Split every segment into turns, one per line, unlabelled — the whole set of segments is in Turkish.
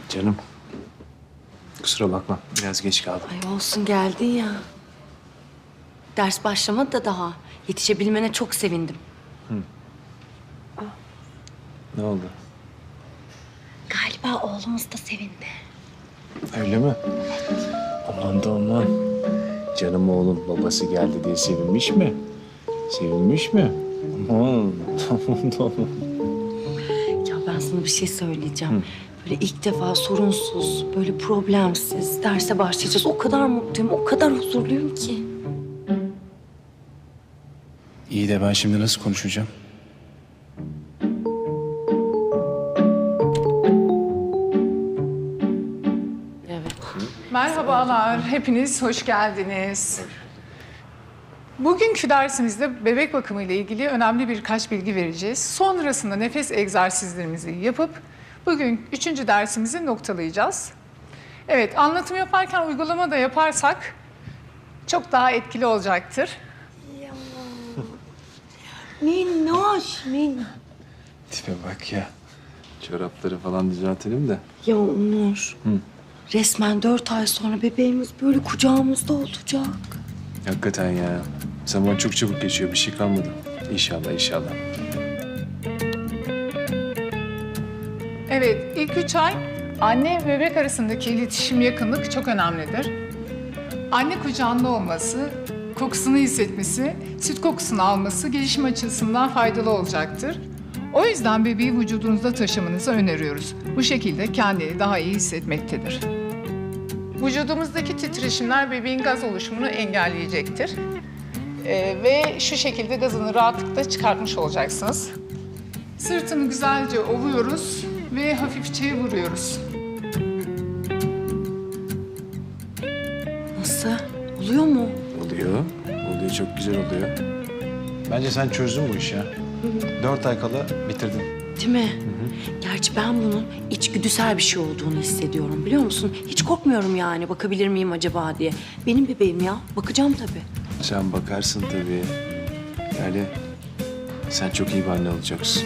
Canım. Kusura bakma. Biraz geç kaldım.
Ay olsun geldin ya. Ders başlamadı da daha. Yetişebilmene çok sevindim.
Ne oldu?
Galiba oğlumuz da sevindi.
Öyle mi? Aman da aman. Canım oğlum babası geldi diye sevinmiş mi? Sevinmiş mi? Aman da aman.
Ya ben sana bir şey söyleyeceğim. Böyle ilk defa sorunsuz, böyle problemsiz derse başlayacağız. O kadar mutluyum, o kadar huzurluyum ki.
İyi de ben şimdi nasıl konuşacağım?
Evet.
Merhabalar, hepiniz hoş geldiniz. Bugünkü dersimizde bebek bakımı ile ilgili önemli birkaç bilgi vereceğiz. Sonrasında nefes egzersizlerimizi yapıp bugün 3. dersimizi noktalayacağız. Evet, anlatım yaparken uygulama da yaparsak çok daha etkili olacaktır.
Minnoş,
Tipe bak ya. Çorapları falan düzeltelim de.
Ya Onur. Resmen 4 ay sonra bebeğimiz böyle kucağımızda olacak.
Hakikaten ya. Zaman çok çabuk geçiyor. Bir şey kalmadı. İnşallah, inşallah.
Evet, ilk 3 ay anne ve bebek arasındaki iletişim, yakınlık çok önemlidir. Anne kucağında olması, kokusunu hissetmesi, süt kokusunu alması gelişim açısından faydalı olacaktır. O yüzden bebeği vücudunuzda taşımanızı öneriyoruz. Bu şekilde kendini daha iyi hissetmektedir. Vücudumuzdaki titreşimler bebeğin gaz oluşumunu engelleyecektir. Ve şu şekilde gazını rahatlıkla çıkartmış olacaksınız. Sırtını güzelce ovuyoruz ve hafifçe vuruyoruz.
Nasıl? Oluyor mu?
Oluyor. Oluyor, çok güzel oluyor. Bence sen çözdün bu işi ya. 4 ay kala bitirdin.
Değil mi? Gerçi ben bunun içgüdüsel bir şey olduğunu hissediyorum biliyor musun? Hiç korkmuyorum yani bakabilir miyim acaba diye. Benim bebeğim ya. Bakacağım tabii.
Sen bakarsın tabii. Yani sen çok iyi bir anne olacaksın.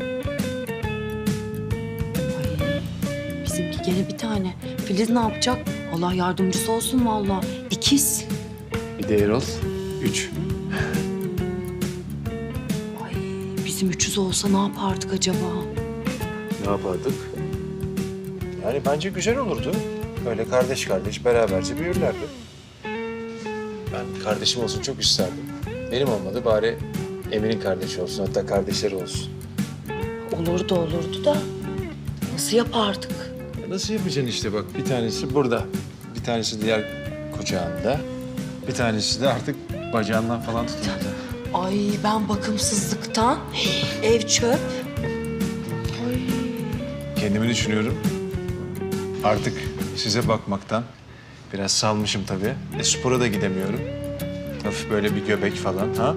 Ay, bizimki gene bir tane. Filiz ne yapacak? Allah yardımcısı olsun vallahi. İkiz.
Bir de Erol. 3.
Ay, bizim 300 olsa ne yapardık acaba?
Ne yapardık? Yani bence güzel olurdu. Öyle kardeş kardeş beraberce büyürlerdi. Ben kardeşim olsun çok isterdim. Benim olmadı bari Emir'in kardeşi olsun, hatta kardeşleri olsun.
Olurdu da nasıl yapardık?
Nasıl yapacaksın işte bak, bir tanesi burada, bir tanesi diğer kucağında, bir tanesi de artık bacağından falan tutuyor.
Ay ben bakımsızlıktan ev çöp. Ay.
Kendimi düşünüyorum. Artık size bakmaktan biraz salmışım tabii. Spora da gidemiyorum. Hafif böyle bir göbek falan ha?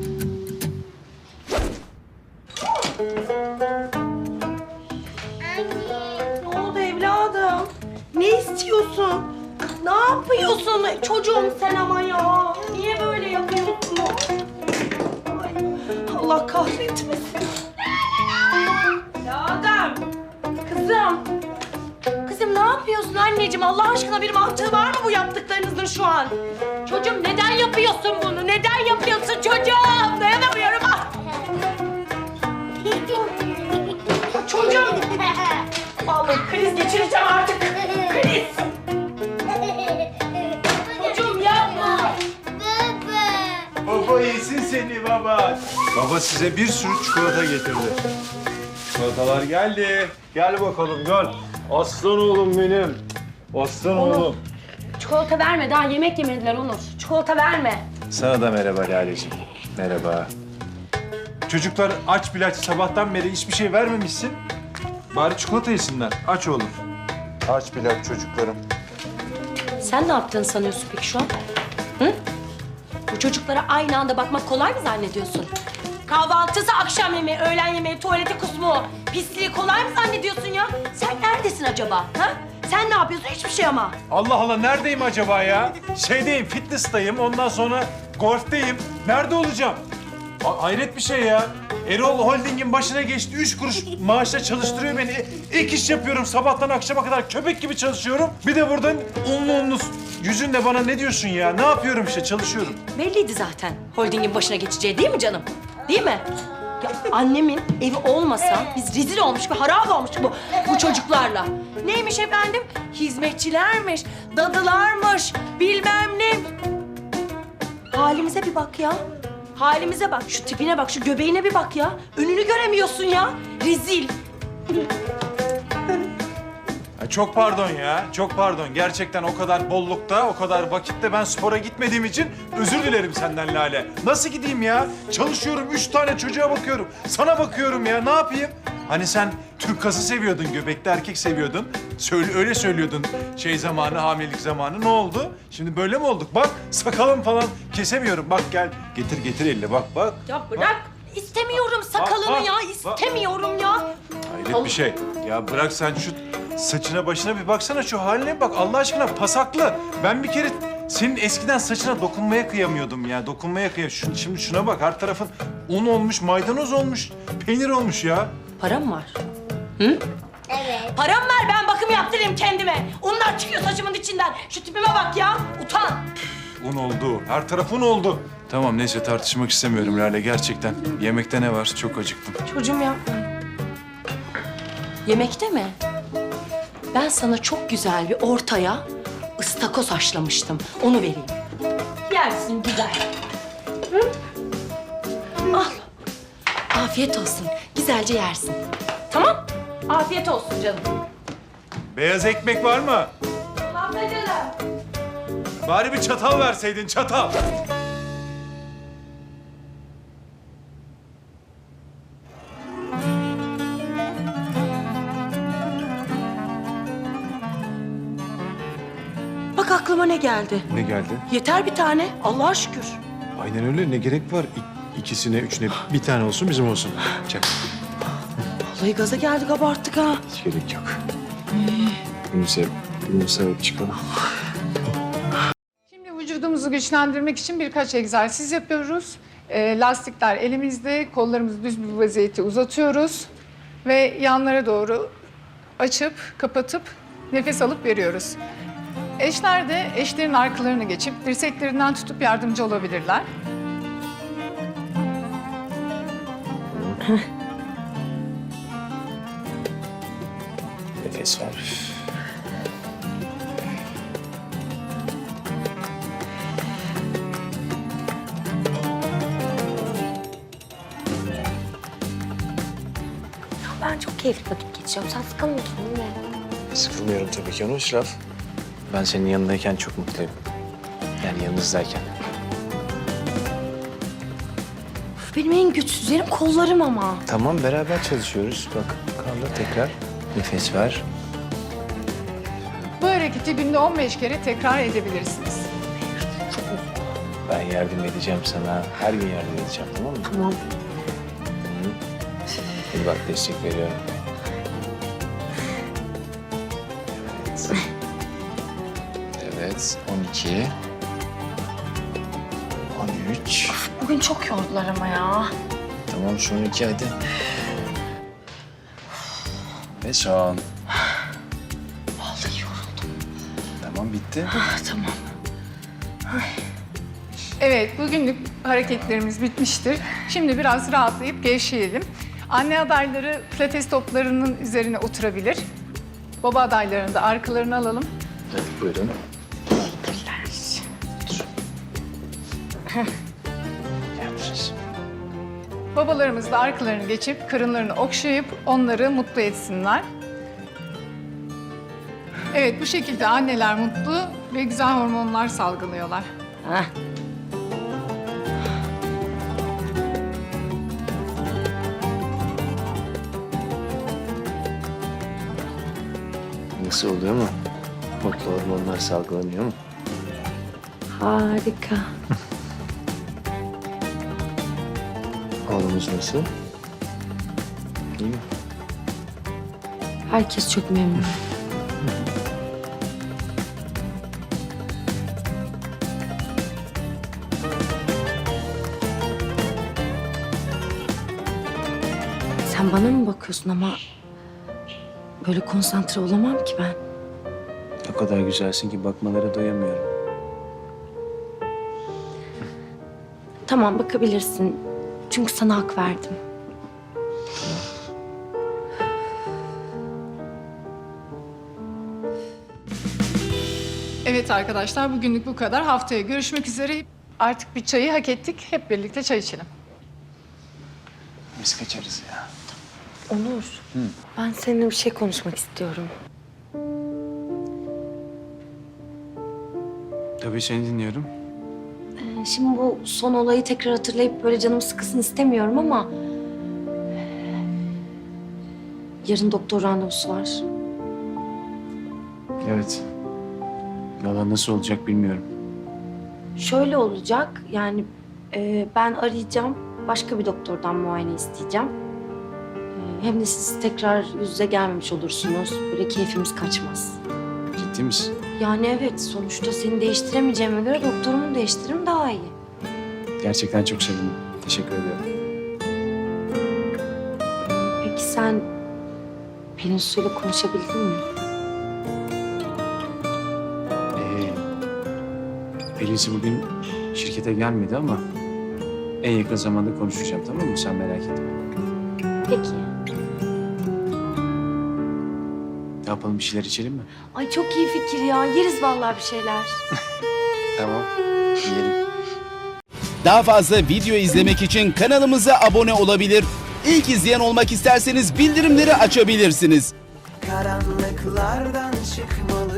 Ne oldu evladım? Ne istiyorsun? Ne yapıyorsun? Çocuğum sen ama ya. Niye böyle yapıyorsun? Ay, Allah kahretmesin. Evladım. Kızım. Kızım ne yapıyorsun anneciğim? Allah aşkına bir mantığı var mı bu yaptıklarınızın şu an? Çocuğum neden yapıyorsun bunu? Neden yapıyorsun çocuğum? Dayanamıyorum. Ah! Çocuğum. Vallahi kriz geçireceğim artık. Kriz. Çocuğum yapma.
Baba yesin seni baba. Baba size bir sürü çikolata getirdi. Çikolatalar geldi. Gel bakalım gel. Aslan oğlum benim. Aslan oğlum.
Çikolata verme. Daha yemek yemediler Onur. Çikolata verme.
Sana da merhaba Lale'ciğim. Merhaba.
Çocuklar aç bile aç. Sabahtan beri hiçbir şey vermemişsin. Bari çikolata yesinler. Aç oğlum. Aç bile aç çocuklarım.
Sen ne yaptığını sanıyorsun peki şu an? Hı? Bu çocuklara aynı anda bakmak kolay mı zannediyorsun? Kahvaltısı, akşam yemeği, öğlen yemeği, tuvaleti kusmu, pisliği kolay mı zannediyorsun ya? Sen neredesin acaba? Ha? Sen ne yapıyorsun? Hiçbir şey ama.
Allah Allah neredeyim acaba ya? Şeydeyim, fitness'tayım. Ondan sonra golfteyim. Nerede olacağım? Hayret bir şey ya. Erol Holding'in başına geçti. 3 kuruş maaşla çalıştırıyor beni. Ek iş yapıyorum. Sabahtan akşama kadar köpek gibi çalışıyorum. Bir de buradan unlu yüzünle bana ne diyorsun ya? Ne yapıyorum işte, çalışıyorum.
Belliydi zaten holdingin başına geçeceği değil mi canım? Değil mi? Ya annemin evi olmasa biz rezil olmuş ve harap olmuş bu çocuklarla. Neymiş efendim? Hizmetçilermiş, dadılarmış, bilmem ne. Halimize bir bak ya. Halimize bak, şu tipine bak, şu göbeğine bir bak ya. Önünü göremiyorsun ya. Rezil.
Çok pardon ya, çok pardon. Gerçekten o kadar bollukta, o kadar vakitte ben spora gitmediğim için özür dilerim senden Lale. Nasıl gideyim ya? Çalışıyorum, 3 tane çocuğa bakıyorum. Sana bakıyorum ya, ne yapayım? Hani sen Türk kası seviyordun, göbekli erkek seviyordun. Öyle söylüyordun zamanı, hamilelik zamanı. Ne oldu? Şimdi böyle mi olduk? Bak, sakalım falan kesemiyorum. Bak gel, getir elini. Bak.
Ya bırak. İstemiyorum sakalını
bak,
ya.
bak.
İstemiyorum ya.
Hayret bir şey. Ya bırak sen şu saçına başına bir baksana, şu haline bak Allah aşkına, pasaklı. Ben bir kere senin eskiden saçına dokunmaya kıyamıyordum ya. Şimdi şuna bak, her tarafın un olmuş, maydanoz olmuş, peynir olmuş ya.
Param var. Hı? Evet. Param var, ben bakım yaptırayım kendime. Unlar çıkıyor saçımın içinden. Şu tipime bak ya. Utan.
Un oldu, her taraf un oldu. Tamam neyse, tartışmak istemiyorum Lale gerçekten. Yemekte ne var? Çok acıktım.
Çocuğum yapma. Yemekte mi? Ben sana çok güzel bir ortaya ıstakoz haşlamıştım. Onu vereyim. Yersin güzel. Hı? Al. Afiyet olsun. Güzelce yersin. Tamam? Afiyet olsun canım.
Beyaz ekmek var mı?
Tamam da canım.
Bari bir çatal verseydin, çatal.
Bak aklıma ne geldi.
Ne geldi?
Yeter bir tane. Allah'a şükür.
Aynen öyle. Ne gerek var? İkisine, üçüne bir tane olsun, bizim olsun. Çak.
Vallahi gaza geldik, abarttık ha.
Hiç gerek yok. Bunu sevip çıkalım.
Şimdi vücudumuzu güçlendirmek için birkaç egzersiz yapıyoruz. Lastikler elimizde, kollarımızı düz bir vaziyette uzatıyoruz. Ve yanlara doğru açıp, kapatıp nefes alıp veriyoruz. Eşler de eşlerin arkalarını geçip dirseklerinden tutup yardımcı olabilirler.
Nefes ver.
Ben çok keyifli vakit geçiriyorum. Sen sıkılmıyorsun değil mi?
Sıkılmıyorum tabii ki. Onun için laf. Ben senin yanındayken çok mutluyum. Yani yanınızdayken.
Benim en güçsüz yerim kollarım ama.
Tamam, beraber çalışıyoruz. Bak, Karla tekrar. Nefes ver.
Bu hareketi günde 15 kere tekrar edebilirsiniz.
Ben yardım edeceğim sana. Her gün yardım edeceğim, tamam mı?
Tamam.
Hadi bak, destek veriyorum. Evet. 12. 13.
Bugün çok yordular ama ya.
Tamam, son 2 hadi. Ve son.
Vallahi yoruldum.
Tamam, bitti.
Tamam.
Evet, bugünlük hareketlerimiz bitmiştir. Şimdi biraz rahatlayıp gevşeyelim. Anne adayları pilates toplarının üzerine oturabilir. Baba adaylarını da arkalarına alalım.
Hadi buyurun. Yapacağız.
Babalarımız da arkalarını geçip karınlarını okşayıp onları mutlu etsinler. Evet, bu şekilde anneler mutlu ve güzel hormonlar salgılıyorlar.
Heh.
Nasıl oluyor mu? Mutlu hormonlar salgılanıyor mu?
Harika.
Oğlumuz nasıl? İyi mi?
Herkes çok memnun. Sen bana mı bakıyorsun ama böyle konsantre olamam ki ben.
O kadar güzelsin ki bakmalara doyamıyorum.
Tamam bakabilirsin. Çünkü sana hak verdim.
Evet arkadaşlar, bugünlük bu kadar. Haftaya görüşmek üzere. Artık bir çayı hak ettik. Hep birlikte çay içelim.
Biz kaçarız ya.
Onur, ben seninle bir şey konuşmak istiyorum.
Tabii seni dinliyorum.
Şimdi bu son olayı tekrar hatırlayıp böyle canım sıkısın istemiyorum ama... Yarın doktor randevusu var.
Evet. Valla nasıl olacak bilmiyorum.
Şöyle olacak, yani ben arayacağım, başka bir doktordan muayene isteyeceğim. Hem de siz tekrar yüz yüze gelmemiş olursunuz, böyle keyfimiz kaçmaz.
Ciddi misin?
Yani evet, sonuçta seni değiştiremeyeceğime göre doktorumu değiştiririm daha iyi.
Gerçekten çok sevindim. Teşekkür ederim.
Peki sen Pelin Su'yla konuşabildin mi?
Pelin'si bugün şirkete gelmedi ama en yakın zamanda konuşacağım, tamam mı? Sen merak etme.
Peki.
Ne yapalım, bir şeyler içelim mi?
Ay çok iyi fikir ya, yeriz vallahi bir şeyler.
Tamam. Yiyelim.
Daha fazla video izlemek için kanalımıza abone olabilir. İlk izleyen olmak isterseniz bildirimleri açabilirsiniz.
Karanlıklardan çıkmalı